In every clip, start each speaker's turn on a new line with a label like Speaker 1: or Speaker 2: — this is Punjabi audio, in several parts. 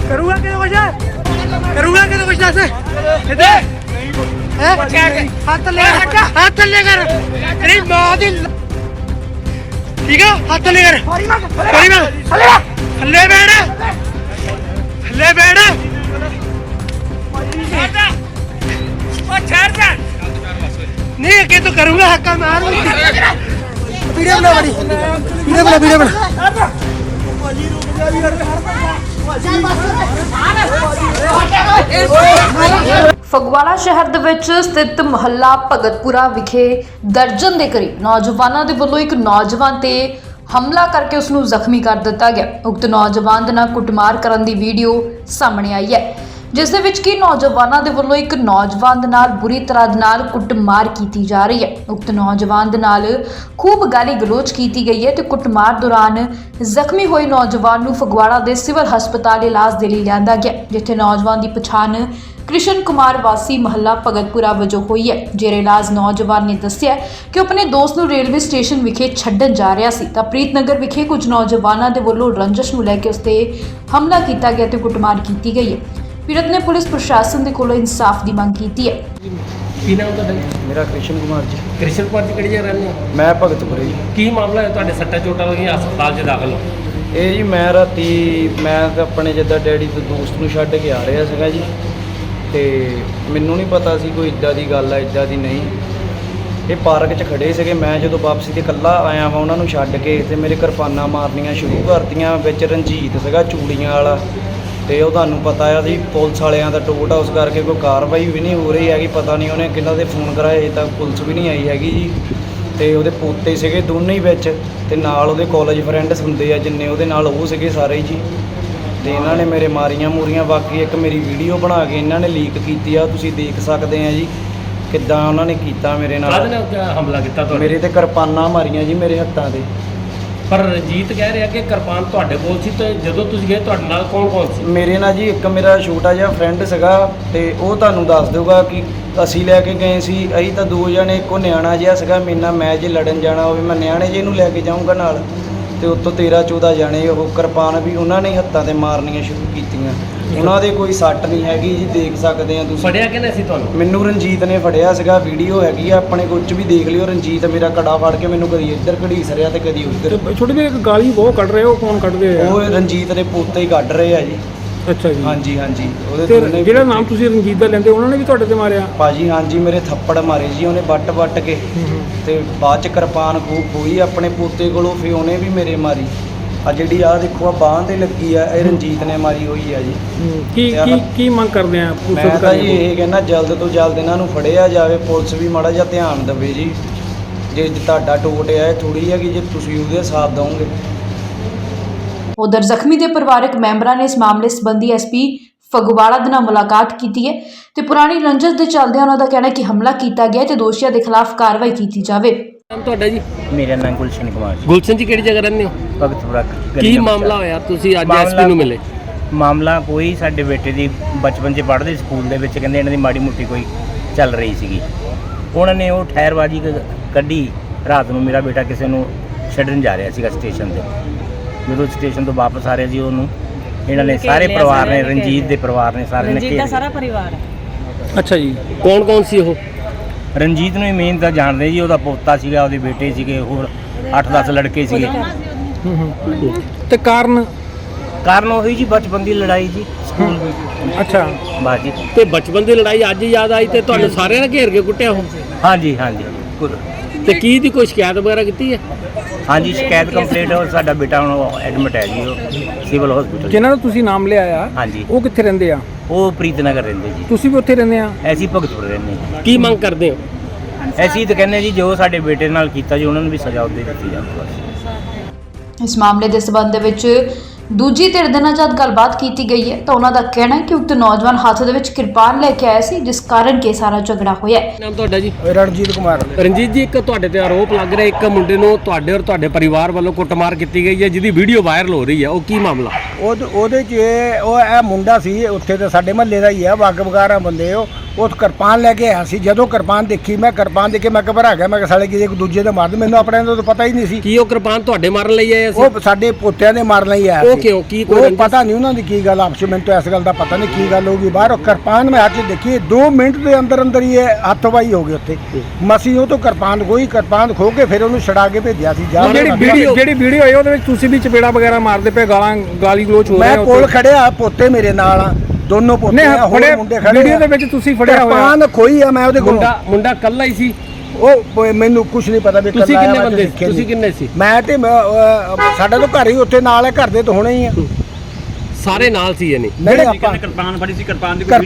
Speaker 1: करूँगा क्या कुछ दस हाथ लेकर तेरी माँ दी ठीक है हाथ लेकर थल्ले बैठ नहीं अगे तो करूँगा हक्का मार वीडियो बना
Speaker 2: ਫਗਵਾੜਾ ਸ਼ਹਿਰ ਦੇ ਵਿੱਚ ਸਥਿਤ ਮੁਹੱਲਾ ਭਗਤਪੁਰਾ ਵਿਖੇ ਦਰਜਨ ਦੇ ਕਰੀਬ ਨੌਜਵਾਨਾਂ ਦੇ ਵੱਲੋਂ ਇੱਕ ਨੌਜਵਾਨ ਤੇ ਹਮਲਾ ਕਰਕੇ ਉਸ ਨੂੰ ਜ਼ਖਮੀ ਕਰ ਦਿੱਤਾ ਗਿਆ। ਉਕਤ ਨੌਜਵਾਨ ਦੇ ਨਾਲ ਕੁੱਟਮਾਰ ਕਰਨ ਦੀ ਵੀਡੀਓ ਸਾਹਮਣੇ ਆਈ ਹੈ, ਜਿਸ ਦੇ ਵਿੱਚ ਕਿ ਨੌਜਵਾਨਾਂ ਦੇ ਵੱਲੋਂ ਇੱਕ ਨੌਜਵਾਨ ਦੇ ਨਾਲ ਬੁਰੀ ਤਰ੍ਹਾਂ ਦੇ ਨਾਲ ਕੁੱਟਮਾਰ ਕੀਤੀ ਜਾ ਰਹੀ ਹੈ। ਉਕਤ ਨੌਜਵਾਨ ਦੇ ਨਾਲ ਖੂਬ ਗਾਲੀ ਗਲੋਚ ਕੀਤੀ ਗਈ ਹੈ ਤੇ ਕੁੱਟਮਾਰ ਦੌਰਾਨ ਜ਼ਖਮੀ ਹੋਏ ਨੌਜਵਾਨ ਨੂੰ ਫਗਵਾੜਾ ਦੇ ਸਿਵਲ ਹਸਪਤਾਲ ਇਲਾਜ ਦੇ ਲਈ ਲਿਆਂਦਾ ਗਿਆ, ਜਿੱਥੇ ਨੌਜਵਾਨ ਦੀ ਪਛਾਣ ਕ੍ਰਿਸ਼ਨ ਕੁਮਾਰ ਵਾਸੀ ਮੁਹੱਲਾ ਭਗਤਪੁਰਾ ਵਜੋਂ ਹੋਈ ਹੈ। ਜੇਰੇ ਇਲਾਜ ਨੌਜਵਾਨ ਨੇ ਦੱਸਿਆ ਕਿ ਉਹ ਆਪਣੇ ਦੋਸਤ ਨੂੰ ਰੇਲਵੇ ਸਟੇਸ਼ਨ ਵਿਖੇ ਛੱਡਣ ਜਾ ਰਿਹਾ ਸੀ ਤਾਂ ਪ੍ਰੀਤਨਗਰ ਵਿਖੇ ਕੁਝ ਨੌਜਵਾਨਾਂ ਦੇ ਵੱਲੋਂ ਰੰਜਿਸ਼ ਨੂੰ ਲੈ ਕੇ ਉਸ ਤੇ ਹਮਲਾ ਕੀਤਾ ਗਿਆ ਤੇ ਕੁੱਟਮਾਰ ਕੀਤੀ ਗਈ ਹੈ। ਪੀੜਤ ਨੇ ਪੁਲਿਸ ਪ੍ਰਸ਼ਾਸਨ ਦੇ ਕੋਲੋਂ ਇਨਸਾਫ ਦੀ ਮੰਗ ਕੀਤੀ ਹੈ।
Speaker 3: ਕੀ ਨਾਮ ਤੁਹਾਡਾ?
Speaker 4: ਮੇਰਾ ਕ੍ਰਿਸ਼ਨ ਕੁਮਾਰ ਜੀ।
Speaker 3: ਕ੍ਰਿਸ਼ਨ ਕੁਮਾਰ ਜੀ ਕਿਹੜੀ ਜਗ੍ਹਾ ਰਹਿੰਦੇ ਹੋ?
Speaker 4: ਮੈਂ ਭਗਤਪੁਰੇ ਜੀ।
Speaker 3: ਕੀ ਮਾਮਲਾ ਹੈ ਤੁਹਾਡੇ ਸੱਟਾਂ ਚੋਟਾਂ ਲੱਗੀਆਂ ਹਸਪਤਾਲ 'ਚ ਦਾਖਲ ਹੋ?
Speaker 4: ਇਹ ਜੀ ਮੈਂ ਰਾਤੀ ਮੈਂ ਤਾਂ ਆਪਣੇ ਜਿੱਦਾਂ ਡੈਡੀ ਤੋਂ ਦੋਸਤ ਨੂੰ ਛੱਡ ਕੇ ਆ ਰਿਹਾ ਸੀਗਾ ਜੀ, ਤੇ ਮੈਨੂੰ ਨਹੀਂ ਪਤਾ ਸੀ ਕੋਈ ਇੱਦਾਂ ਦੀ ਗੱਲ ਆ ਇੱਦਾਂ ਦੀ ਨਹੀਂ। ਇਹ ਪਾਰਕ 'ਚ ਖੜੇ ਸੀਗੇ, ਮੈਂ ਜਦੋਂ ਵਾਪਸੀ ਤੇ ਇਕੱਲਾ ਆਇਆ ਵਾਂ ਉਹਨਾਂ ਨੂੰ ਛੱਡ ਕੇ ਤੇ ਮੇਰੇ ਕਿਰਪਾਨਾਂ ਮਾਰਨੀਆਂ ਸ਼ੁਰੂ ਕਰਤੀਆਂ। ਵਿੱਚ ਰਣਜੀਤ ਸੀਗਾ ਚੂੜੀਆਂ ਵਾਲਾ, ਤੇ ਉਹ ਤੁਹਾਨੂੰ ਪਤਾ ਆ ਜੀ ਪੁਲਿਸ ਵਾਲਿਆਂ ਦਾ ਟੋਟ ਆ, ਉਸ ਕਰਕੇ ਕੋਈ ਕਾਰਵਾਈ ਵੀ ਨਹੀਂ ਹੋ ਰਹੀ ਹੈਗੀ। ਪਤਾ ਨਹੀਂ ਉਹਨੇ ਕਿਹਨਾਂ ਦੇ ਫੋਨ ਕਰਾਏ ਤਾਂ ਪੁਲਿਸ ਵੀ ਨਹੀਂ ਆਈ ਹੈਗੀ ਜੀ। ਤੇ ਉਹਦੇ ਪੋਤੇ ਸੀਗੇ ਦੋਨੇ ਹੀ ਵਿੱਚ, ਤੇ ਨਾਲ ਉਹਦੇ ਕਾਲਜ ਫਰੈਂਡਸ ਹੁੰਦੇ ਆ ਜਿੰਨੇ ਉਹਦੇ ਨਾਲ ਉਹ ਸੀਗੇ ਸਾਰੇ ਜੀ। ਤੇ ਇਹਨਾਂ ਨੇ ਮੇਰੇ ਮਾਰੀਆਂ ਮੂਰੀਆਂ। ਬਾਕੀ ਇੱਕ ਮੇਰੀ ਵੀਡੀਓ ਬਣਾ ਕੇ ਇਹਨਾਂ ਨੇ ਲੀਕ ਕੀਤੀ ਆ, ਤੁਸੀਂ ਦੇਖ ਸਕਦੇ ਆ ਜੀ ਕਿੱਦਾਂ ਉਹਨਾਂ ਨੇ ਕੀਤਾ ਮੇਰੇ ਨਾਲ।
Speaker 3: ਹਮਲਾ ਕੀਤਾ ਤੁਹਾਡੇ?
Speaker 4: ਮੇਰੇ ਤੇ ਕਿਰਪਾਨਾਂ ਮਾਰੀਆਂ ਜੀ ਮੇਰੇ ਹੱਥਾਂ ਤੇ।
Speaker 3: ਪਰ ਰਣਜੀਤ ਕਹਿ ਰਿਹਾ ਕਿ ਕਿਰਪਾਨ ਤੁਹਾਡੇ ਕੋਲ ਸੀ, ਤੇ ਜਦੋਂ ਤੁਸੀਂ ਗਏ ਤੁਹਾਡੇ ਨਾਲ ਕੌਣ ਸੀ?
Speaker 4: ਮੇਰੇ ਨਾਲ ਜੀ ਇੱਕ ਮੇਰਾ ਛੋਟਾ ਜਿਹਾ ਫਰੈਂਡ ਸੀਗਾ, ਤੇ ਉਹ ਤੁਹਾਨੂੰ ਦੱਸ ਦੇਊਗਾ ਕਿ ਅਸੀਂ ਲੈ ਕੇ ਗਏ ਸੀ। ਅਸੀਂ ਤਾਂ ਦੋ ਜਣੇ, ਇੱਕੋ ਨਿਆਣਾ ਜਿਹਾ ਸੀਗਾ ਮੇਰੇ ਨਾਲ, ਮੈਂ ਜੇ ਲੜਨ ਜਾਣਾ ਹੋਵੇ ਮੈਂ ਨਿਆਣੇ ਜਿਹੇ ਨੂੰ ਲੈ ਕੇ ਜਾਊਂਗਾ ਨਾਲ, ਤੇ ਉੱਤੋਂ 13-14 ਜਾਣੇ। ਉਹ ਕਿਰਪਾਨ ਵੀ ਉਹਨਾਂ ਨੇ ਹੱਥਾਂ ਤੇ ਮਾਰਨੀਆਂ ਸ਼ੁਰੂ ਕੀਤੀਆਂ। ਉਹਨਾਂ ਦੇ ਕੋਈ ਸੱਟ ਨਹੀਂ ਹੈਗੀ ਜੀ, ਦੇਖ ਸਕਦੇ ਆ ਤੁਸੀਂ।
Speaker 3: ਫੜਿਆ ਕਿਹਨੇ ਸੀ ਤੁਹਾਨੂੰ?
Speaker 4: ਮੈਨੂੰ ਰਣਜੀਤ ਨੇ ਫੜਿਆ ਸੀਗਾ, ਵੀਡੀਓ ਹੈਗੀ ਆ ਆਪਣੇ ਕੋਲ 'ਚ ਵੀ ਦੇਖ ਲਿਓ। ਰਣਜੀਤ ਮੇਰਾ ਕੜਾ ਫੜ ਕੇ ਮੈਨੂੰ ਕਦੀ ਇੱਧਰ ਘੜੀਸ ਰਿਹਾ ਤੇ ਕਦੀ ਉੱਧਰ।
Speaker 1: ਛੋਟੇ ਵੀਰ ਇੱਕ ਗਾਲੀ ਬਹੁਤ ਕੱਢ ਰਹੇ, ਉਹ ਕੌਣ ਕੱਢਦੇ ਆ?
Speaker 4: ਉਹ ਰਣਜੀਤ ਦੇ ਪੋਤੇ ਹੀ ਕੱਢ ਰਹੇ ਆ ਜੀ।
Speaker 1: ਅੱਛਾ ਜੀ।
Speaker 4: ਹਾਂਜੀ ਹਾਂਜੀ। ਉਹਦੇ
Speaker 1: ਤੇ ਜਿਹੜਾ ਨਾਮ ਤੁਸੀਂ ਰਣਜੀਤ ਦਾ ਲੈਂਦੇ ਉਹਨਾਂ ਨੇ ਵੀ ਤੁਹਾਡੇ ਤੇ ਮਾਰਿਆ?
Speaker 4: ਭਾਜੀ ਹਾਂਜੀ, ਮੇਰੇ ਥੱਪੜ ਮਾਰੇ ਜੀ ਉਹਨੇ ਵੱਟ ਕੇ, ਤੇ ਬਾਅਦ ਚ ਕਿਰਪਾਨ ਖੋਈ ਆਪਣੇ ਪੋਤੇ ਕੋਲੋਂ, ਫਿਰ ਉਹਨੇ ਵੀ ਮੇਰੇ ਮਾਰੀ। ਆ ਜਿਹੜੀ ਆ ਦੇਖੋ ਆ ਬਾਂਹ ਤੇ ਲੱਗੀ ਆ, ਇਹ ਰਣਜੀਤ ਨੇ ਮਾਰੀ ਹੋਈ ਆ ਜੀ।
Speaker 1: ਕੀ ਮੰਗ ਕਰਦੇ ਆ?
Speaker 4: ਮੈਂ ਤਾਂ ਜੀ ਇਹ ਕਹਿੰਦਾ ਜਲਦ ਤੋਂ ਜਲਦ ਇਹਨਾਂ ਨੂੰ ਫੜਿਆ ਜਾਵੇ, ਪੁਲਿਸ ਵੀ ਮਾੜਾ ਜਿਹਾ ਧਿਆਨ ਦੇਵੇ ਜੀ। ਜੇ ਤੁਹਾਡਾ ਟੋਟ ਆ ਇਹ ਥੋੜੀ ਹੈ ਕਿ ਜੇ ਤੁਸੀਂ ਉਹਦੇ ਸਾਥ ਦਓਗੇ।
Speaker 2: ਉਧਰ ਜ਼ਖਮੀ ਦੇ ਪਰਿਵਾਰਕ ਮੈਂਬਰਾਂ ਨੇ ਇਸ ਮਾਮਲੇ ਸੰਬੰਧੀ ਐਸਪੀ ਫਗਵਾੜਾ ਦੇ ਨਾਲ ਮੁਲਾਕਾਤ ਕੀਤੀ ਹੈ ਤੇ ਪੁਰਾਣੀ ਰੰਜਿਸ਼ ਦੇ ਚੱਲਦਿਆਂ ਉਹਨਾਂ ਦਾ ਕਹਿਣਾ ਹੈ ਕਿ ਹਮਲਾ ਕੀਤਾ ਗਿਆ ਤੇ ਦੋਸ਼ੀਆਂ ਦੇ ਖਿਲਾਫ ਕਾਰਵਾਈ ਕੀਤੀ ਜਾਵੇ।
Speaker 3: ਨਾਮ ਤੁਹਾਡਾ ਜੀ?
Speaker 4: ਮੇਰਾ ਨਾਮ ਗੁਲਸ਼ਨ ਕੁਮਾਰ ਜੀ।
Speaker 3: ਗੁਲਸ਼ਨ ਜੀ ਕਿਹੜੀ ਜਗ੍ਹਾ ਰਹਿੰਦੇ ਹੋ?
Speaker 4: ਭਗਤਪੁਰਾ।
Speaker 3: ਕੀ ਮਾਮਲਾ ਹੋਇਆ ਤੁਸੀਂ ਅੱਜ ਐਸਪੀ ਨੂੰ ਮਿਲੇ?
Speaker 5: ਮਾਮਲਾ ਕੋਈ ਸਾਡੇ ਬੇਟੇ ਦੀ ਬਚਪਨ 'ਚ ਪੜ੍ਹਦੇ ਸਕੂਲ ਦੇ ਵਿੱਚ, ਕਹਿੰਦੇ ਇਹਨਾਂ ਦੀ ਮਾੜੀ ਮੋਟੀ ਕੋਈ ਚੱਲ ਰਹੀ ਸੀਗੀ। ਉਹਨਾਂ ਨੇ ਉਹ ਠਹਿਰਬਾਜੀ ਕੱਢੀ। ਰਾਤ ਨੂੰ ਮੇਰਾ ਬੇਟਾ ਕਿਸੇ ਨੂੰ ਛੱਡਣ ਜਾ ਰਿਹਾ ਸੀਗਾ ਸਟੇਸ਼ਨ 'ਤੇ। ਜਦੋਂ ਸਟੇਸ਼ਨ ਤੋਂ ਵਾਪਸ ਆ ਰਿਹਾ ਜੀ, ਉਹਨੂੰ ਇਹਨਾਂ ਨੇ ਸਾਰੇ ਪਰਿਵਾਰ ਨੇ, ਰਣਜੀਤ ਦੇ ਪਰਿਵਾਰ ਨੇ ਸਾਰੇ ਨੇ
Speaker 6: ਰਣਜੀਤ ਦਾ ਸਾਰਾ ਪਰਿਵਾਰ ਹੈ।
Speaker 3: ਅੱਛਾ ਜੀ। ਕੌਣ ਸੀ ਉਹ?
Speaker 5: ਰਣਜੀਤ ਨੂੰ ਹੀ ਮੇਨ ਤਾਂ ਜਾਣਦੇ ਜੀ, ਉਹਦਾ ਪੋਤਾ ਸੀਗਾ, ਉਹਦੇ ਬੇਟੇ ਸੀਗੇ, ਹੋਰ 8-10 ਲੜਕੇ ਸੀਗੇ।
Speaker 1: ਤੇ ਕਾਰਨ
Speaker 5: ਉਹੀ ਜੀ ਬਚਪਨ ਦੀ ਲੜਾਈ ਜੀ ਸਕੂਲ ਵਿੱਚ।
Speaker 1: ਅੱਛਾ
Speaker 5: ਬਸ ਜੀ।
Speaker 3: ਤੇ ਬਚਪਨ ਦੀ ਲੜਾਈ ਅੱਜ ਯਾਦ ਆਈ ਤੇ ਤੁਹਾਨੂੰ ਸਾਰਿਆਂ ਨੇ ਘੇਰ ਕੇ ਕੁੱਟਿਆ ਉਹ?
Speaker 5: ਹਾਂਜੀ ਹਾਂਜੀ।
Speaker 3: ਤੇ ਕੀ ਦੀ ਕੋਈ ਸ਼ਿਕਾਇਤ ਵਗੈਰਾ ਕੀਤੀ ਹੈ?
Speaker 5: ਹਾਂਜੀ ਸ਼ਿਕਾਇਤ ਕੰਪਲੀਟ ਹੋ। ਸਾਡਾ ਬੇਟਾ ਹੁਣ ਐਡਮਿਟ ਹੈ ਜੀ, ਉਹ ਸਿਵਲ ਹਸਪੀਟਲ।
Speaker 1: ਜਿਨ੍ਹਾਂ ਨੂੰ ਤੁਸੀਂ ਨਾਮ ਲਿਆ ਆ,
Speaker 5: ਹਾਂਜੀ,
Speaker 1: ਉਹ ਕਿੱਥੇ ਰਹਿੰਦੇ ਆ?
Speaker 5: ਉਹ ਪ੍ਰੀਤਨਗਰ ਰਹਿੰਦੇ ਜੀ।
Speaker 1: ਤੁਸੀਂ ਵੀ ਉੱਥੇ ਰਹਿੰਦੇ ਆ?
Speaker 5: ਅਸੀਂ ਭਗਤਪੁਰ ਰਹਿੰਦੇ ਹਾਂ।
Speaker 3: ਕੀ ਮੰਗ ਕਰਦੇ ਹੋ?
Speaker 5: ਅਸੀਂ ਤਾਂ ਕਹਿੰਦੇ ਜੀ ਜੋ ਸਾਡੇ ਬੇਟੇ ਨਾਲ ਕੀਤਾ ਜੀ ਉਹਨਾਂ ਨੂੰ ਵੀ ਸਜ਼ਾ ਉਹਦੇ ਦਿੱਤੀ ਜਾਵੇ ਬਸ।
Speaker 2: ਇਸ ਮਾਮਲੇ ਦੇ ਸਬੰਧ ਦੇ ਵਿੱਚ ਦੂਜੀ ਧਿਰ ਦੇ ਨਾਲ ਜਦ ਗੱਲਬਾਤ ਕੀਤੀ ਗਈ ਹੈ ਤਾਂ ਉਹਨਾਂ ਦਾ ਕਹਿਣਾ ਹੈ ਕਿ ਉਕਤ ਨੌਜਵਾਨ ਹੱਥ ਦੇ ਵਿੱਚ ਕਿਰਪਾਨ ਲੈ ਕੇ ਆਇਆ ਸੀ, ਜਿਸ ਕਾਰਨ ਕਿ ਸਾਰਾ ਝਗੜਾ ਹੋਇਆ ਹੈ।
Speaker 3: ਨਾਮ ਤੁਹਾਡਾ ਜੀ?
Speaker 4: ਰਣਜੀਤ ਕੁਮਾਰ।
Speaker 3: ਰਣਜੀਤ ਜੀ, ਇੱਕ ਤੁਹਾਡੇ ਤੇ ਆਰੋਪ ਲੱਗ ਰਿਹਾ ਇੱਕ ਮੁੰਡੇ ਨੂੰ ਤੁਹਾਡੇ ਔਰ ਤੁਹਾਡੇ ਪਰਿਵਾਰ ਵੱਲੋਂ ਕੁੱਟਮਾਰ ਕੀਤੀ ਗਈ ਹੈ, ਜਿਹਦੀ ਵੀਡੀਓ ਵਾਇਰਲ ਹੋ ਰਹੀ ਹੈ, ਉਹ ਕੀ ਮਾਮਲਾ?
Speaker 7: ਉਹਦੇ 'ਚ ਇਹ ਮੁੰਡਾ ਸੀ ਉੱਥੇ ਤੇ ਸਾਡੇ ਮਹੱਲੇ ਦਾ ਹੀ ਆ, ਵੱਗ ਵਗਾਰਾ ਬੰਦੇ
Speaker 6: ਉਹ ਕਿਰਪਾਨ ਲੈ ਕੇ ਆਇਆ ਸੀ। ਜਦੋਂ ਕਿਰਪਾਨ ਦੇਖੀ, ਮੈਂ ਕਿਰਪਾਨ ਦੇਖ ਕੇ ਮੈਂ ਘਬਰਾ ਗਿਆ। ਮੈਂ ਕਿਹਾ ਸਾਲੇ ਕਿਸੇ ਇੱਕ ਦੂਜੇ ਦੇ ਮਾਰਦੇ, ਮੈਨੂੰ ਆਪਣੇ ਦਾ ਤਾਂ ਪਤਾ ਹੀ ਨਹੀਂ ਸੀ।
Speaker 3: ਕੀ ਉਹ ਕਿਰਪਾਨ ਤੁਹਾਡੇ ਮਾਰਨ ਲਈ ਆਏ ਸੀ?
Speaker 6: ਉਹ ਸਾਡੇ ਪੋਤਿਆਂ ਦੇ ਮਾਰਨ ਲਈ ਆਇਆ
Speaker 3: ਉਹ
Speaker 6: ਸੀ।
Speaker 3: ਕਿਉਂ? ਕੀ ਕੋਈ
Speaker 6: ਉਹ
Speaker 3: ਰੰਜਿਸ਼?
Speaker 6: ਪਤਾ ਨਹੀਂ ਉਹਨਾਂ ਦੀ ਕੀ ਗੱਲ ਆਪਸ ਵਿੱਚ, ਮੈਨੂੰ ਤਾਂ ਇਸ ਗੱਲ ਦਾ ਪਤਾ ਨਹੀਂ ਕੀ ਗੱਲ ਹੋਊਗੀ। ਬਾਹਰ ਉਹ ਕਿਰਪਾਨ ਮੈਂ ਹੱਥ 'ਚ ਦੇਖੀ, 2 ਮਿੰਟ ਦੇ ਅੰਦਰ ਅੰਦਰ ਹੀ ਇਹ ਹੱਥ-ਵਾਈ ਹੋ ਗਈ ਉੱਥੇ। ਮਸੀਂ ਉਹ ਤੋਂ ਕਿਰਪਾਨ ਖੋ ਕੇ ਫਿਰ ਉਹਨੂੰ ਛੁਡਾ ਕੇ ਭੇਜਿਆ ਸੀ।
Speaker 3: ਜਿਹੜੀ ਵੀਡੀਓ
Speaker 7: ਆਈ ਉਹਦੇ ਵਿੱਚ ਤੁਸੀਂ ਵੀ ਚਪੇੜਾ ਵਗੈਰਾ ਮਾਰਦੇ ਪਏ, ਗਾਲੀ ਗਲੋਚ ਹੋ ਰਿਹਾ।
Speaker 6: ਮੈਂ ਕੋਲ ਖੜਿਆ, ਪੋਤੇ ਮੇਰੇ ਨਾਲ ਆ, ਦੋਨੋਂ ਪੋਤੇ ਆ, ਹੋਰ ਮੁੰਡੇ ਖੜੇ।
Speaker 7: ਵੀਡੀਓ ਦੇ ਵਿੱਚ ਤੁਸੀਂ ਫੜਿਆ ਹੋਇਆ
Speaker 6: ਕਿਰਪਾਨ ਖੋਈ ਆ ਮੈਂ ਉਹਦੇ ਕੋਲ।
Speaker 3: ਮੁੰਡਾ ਕੱਲਾ ਹੀ ਸੀ?
Speaker 6: ਉਹ ਮੈਨੂੰ ਕੁਝ ਨਹੀਂ ਪਤਾ ਵੀ
Speaker 3: ਤੁਸੀਂ ਕਿੰਨੇ ਬੰਦੇ ਸੀ? ਤੁਸੀਂ ਕਿੰਨੇ ਸੀ?
Speaker 6: ਮੈਂ ਤੇ ਸਾਡਾ ਤਾਂ ਘਰ ਹੀ ਉੱਥੇ ਨਾਲ ਹੈ, ਘਰ ਦੇ ਤਾਂ ਹੋਣੇ ਹੀ ਆ।
Speaker 3: ਸਾਰੇ ਨਾਲ ਸੀ ਇਹਨੇ?
Speaker 6: ਨਹੀਂ ਆਪਾਂ
Speaker 5: ਕਿਰਪਾਨ ਫੜੀ ਸੀ, ਕਿਰਪਾਨ ਦੀ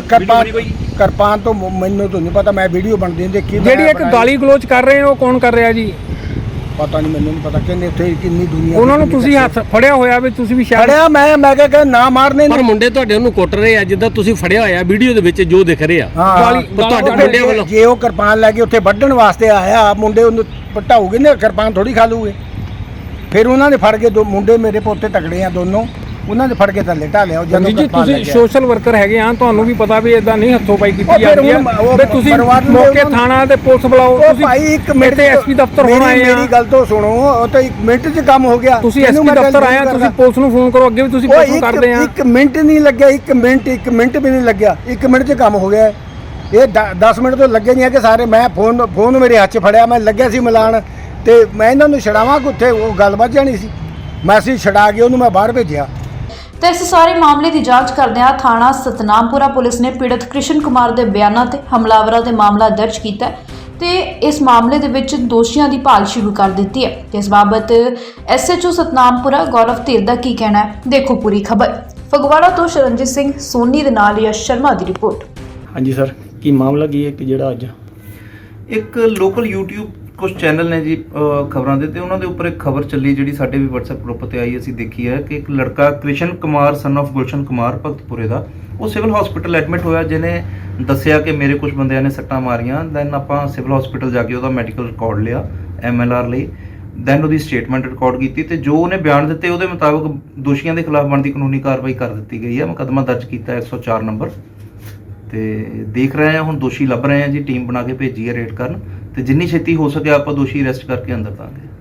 Speaker 6: ਕਿਰਪਾਨ ਤੋਂ ਮੈਨੂੰ ਤਾਂ ਨਹੀਂ ਪਤਾ, ਮੈਂ ਵੀਡੀਓ ਬਣਦੀ ਦੇਖੀ।
Speaker 7: ਜਿਹੜੀ ਇੱਕ ਗਾਲੀ ਗਲੋਚ ਕਰ ਰਹੇ ਹੋ ਉਹ ਕੌਣ ਕਰ ਰਿਹਾ ਜੀ?
Speaker 6: ਪਤਾ ਨਹੀਂ, ਮੈਨੂੰ ਨਹੀਂ ਪਤਾ ਕਿੰਨੇ ਉੱਥੇ ਕਿੰਨੀ ਦੁਨੀਆ।
Speaker 7: ਉਹਨਾਂ ਨੂੰ ਤੁਸੀਂ ਹੱਥ ਫੜਿਆ ਹੋਇਆ ਵੀ ਤੁਸੀਂ ਵੀ ਸ਼ਾਇਦ
Speaker 6: ਫੜਿਆ ਮੈਂ ਕਿਹਾ ਨਾ ਮਾਰਨੇ
Speaker 3: ਪਰ ਮੁੰਡੇ ਤੁਹਾਡੇ ਉਹਨੂੰ ਕੁੱਟ ਰਹੇ ਆ ਜਿੱਦਾਂ ਤੁਸੀਂ ਫੜਿਆ ਹੋਇਆ ਵੀਡੀਓ ਦੇ ਵਿੱਚ ਜੋ ਦਿਖ ਰਿਹਾ। ਤੁਹਾਡੇ ਮੁੰਡਿਆਂ ਵੱਲੋਂ
Speaker 6: ਜੇ ਉਹ ਕਿਰਪਾਨ ਲੈ ਕੇ ਉੱਥੇ ਵੱਢਣ ਵਾਸਤੇ ਆਇਆ, ਮੁੰਡੇ ਉਹਨੂੰ ਪਟਾਉਗੇ ਨਾ, ਕਿਰਪਾਨ ਥੋੜੀ ਖਾ ਲੂਗੇ। ਫਿਰ ਉਹਨਾਂ ਨੇ ਫੜ ਕੇ ਦੋ ਮੁੰਡੇ ਮੇਰੇ ਪੋਤੇ ਤਕੜੇ ਆ ਦੋਨੋਂ, ਉਹਨਾਂ ਨੇ ਫੜ ਕੇ ਥੱਲੇ ਢਾਲਿਆ। ਜਦੋਂ
Speaker 7: ਜੀ ਤੁਸੀਂ ਸੋਸ਼ਲ ਵਰਕਰ ਹੈਗੇ ਆ, ਤੁਹਾਨੂੰ ਵੀ ਪਤਾ ਵੀ ਇਦਾਂ ਨਹੀਂ ਹੱਥੋਂ ਪਾਈ ਕੀਤੀ ਜਾਂਦੀ ਹੈ। ਵੀ ਤੁਸੀਂ ਮੌਕੇ ਥਾਣਾ ਤੇ ਪੁਲਿਸ ਬੁਲਾਓ। ਤੁਸੀਂ
Speaker 6: ਭਾਈ ਇੱਕ ਮਿੰਟ
Speaker 7: ਤੇ ਐਸਪੀ ਦਫ਼ਤਰ ਹੋਣਾ ਆਏ ਆ।
Speaker 6: ਮੇਰੀ ਗੱਲ ਤੋਂ ਸੁਣੋ, ਉਹ ਤਾਂ 1 ਮਿੰਟ 'ਚ ਕੰਮ ਹੋ ਗਿਆ।
Speaker 7: ਤੁਸੀਂ ਐਸਪੀ ਦਫ਼ਤਰ ਆਏ ਆ, ਤੁਸੀਂ ਪੁਲਿਸ ਨੂੰ ਫੋਨ ਕਰੋ। ਅੱਗੇ ਵੀ ਤੁਸੀਂ ਪੁਲਿਸ ਨੂੰ ਕਰਦੇ ਆ।
Speaker 6: 1 ਮਿੰਟ ਨਹੀਂ ਲੱਗਿਆ, 1 ਮਿੰਟ ਵੀ ਨਹੀਂ ਲੱਗਿਆ। 1 ਮਿੰਟ 'ਚ ਕੰਮ ਹੋ ਗਿਆ। ਇਹ 10 ਮਿੰਟ ਤੋਂ ਲੱਗੇ ਨਹੀਂ ਹੈ ਕਿ ਸਾਰੇ। ਮੈਂ ਫੋਨ ਮੇਰੇ ਹੱਥ 'ਚ ਫੜਿਆ, ਮੈਂ ਲੱਗਿਆ ਸੀ ਮਿਲਾਣ, ਤੇ ਮੈਂ ਇਹਨਾਂ ਨੂੰ ਛਡਾਵਾਂ ਕਿ ਉੱਥੇ ਉਹ ਗੱਲ ਵੱਜ ਜਾਣੀ ਸੀ। ਮੈਂ ਅਸੀਂ ਛਡਾ ਕੇ ਉਹਨੂੰ ਮੈਂ ਬਾਹਰ ਭੇਜਿਆ।
Speaker 2: ਤੇ ਇਸ ਸਾਰੇ ਮਾਮਲੇ ਦੀ ਜਾਂਚ ਕਰਦਿਆਂ ਥਾਣਾ ਸਤਨਾਮਪੁਰਾ ਪੁਲਿਸ ਨੇ ਪੀੜਤ ਕ੍ਰਿਸ਼ਨ ਕੁਮਾਰ ਦੇ ਬਿਆਨਾਂ ਤੇ ਹਮਲਾਵਰਾਂ ਦੇ ਮਾਮਲਾ ਦਰਜ ਕੀਤਾ ਤੇ ਇਸ ਮਾਮਲੇ ਦੇ ਵਿੱਚ ਦੋਸ਼ੀਆਂ ਦੀ ਭਾਲ ਸ਼ੁਰੂ ਕਰ ਦਿੱਤੀ ਹੈ। ਤੇ ਇਸ ਬਾਬਤ ਐਸਐਚਓ ਸਤਨਾਮਪੁਰਾ ਗੌਰਵ ਧੀਰ ਦਾ ਕੀ ਕਹਿਣਾ ਹੈ, ਦੇਖੋ ਪੂਰੀ ਖਬਰ। ਫਗਵਾੜਾ ਤੋਂ ਸ਼ਰਨਜੀਤ ਸਿੰਘ ਸੋਨੀ ਦੇ ਨਾਲ ਯਸ਼ ਸ਼ਰਮਾ ਦੀ ਰਿਪੋਰਟ।
Speaker 4: ਹਾਂਜੀ ਸਰ, ਕੀ ਮਾਮਲਾ ਕੀ ਹੈ ਕਿ ਜਿਹੜਾ ਅੱਜ
Speaker 8: ਇੱਕ ਲੋਕਲ YouTube ਕੁਝ ਚੈਨਲ ਨੇ ਜੀ ਖਬਰਾਂ ਦੇ, ਤੇ ਉਹਨਾਂ ਦੇ ਉੱਪਰ ਇੱਕ ਖਬਰ ਚੱਲੀ ਜਿਹੜੀ ਸਾਡੇ ਵੀ WhatsApp ਗਰੁੱਪ ਤੇ ਆਈ, ਅਸੀਂ ਦੇਖੀ ਹੈ ਕਿ ਇੱਕ ਲੜਕਾ ਕ੍ਰਿਸ਼ਨ ਕੁਮਾਰ ਸਨ of ਗੁਲਸ਼ਨ ਕੁਮਾਰ ਭਗਤਪੁਰੇ ਦਾ, ਉਹ ਸਿਵਲ ਹਸਪੀਟਲ ਐਡਮਿਟ ਹੋਇਆ, ਜਿਹਨੇ ਦੱਸਿਆ ਕਿ ਮੇਰੇ ਕੁਝ ਬੰਦਿਆਂ ਨੇ ਸੱਟਾਂ ਮਾਰੀਆਂ। ਦੈਨ ਆਪਾਂ ਸਿਵਲ ਹਸਪੀਟਲ ਜਾ ਕੇ ਉਹਦਾ ਮੈਡੀਕਲ ਰਿਕਾਰਡ ਲਿਆ MLR ਲਈ, ਦੈਨ ਉਹਦੀ ਸਟੇਟਮੈਂਟ ਰਿਕਾਰਡ ਕੀਤੀ, ਤੇ ਜੋ ਉਹਨੇ ਬਿਆਨ ਦਿੱਤੇ ਉਹਦੇ ਮੁਤਾਬਕ ਦੋਸ਼ੀਆਂ ਦੇ ਖਿਲਾਫ ਬਣਦੀ ਕਾਨੂੰਨੀ ਕਾਰਵਾਈ ਕਰ ਦਿੱਤੀ ਗਈ ਹੈ। ਮੁਕੱਦਮਾ ਦਰਜ ਕੀਤਾ 104 ਨੰਬਰ ਤੇ ਦੇਖ ਰਹੇ ਹਾਂ ਹੁਣ ਦੋਸ਼ੀ ਲੱਭ ਰਹੇ ਹਾਂ ਜੀ, ਟੀਮ ਬਣਾ ਕੇ ਭੇਜੀ ਹੈ ਰੇਡ ਕਰਨ, ਤੇ ਜਿੰਨੀ ਛੇਤੀ ਹੋ ਸਕੇ ਆਪਾਂ ਦੋਸ਼ੀ ਅਰੈਸਟ ਕਰਕੇ ਅੰਦਰ ਦਾਂਗੇ।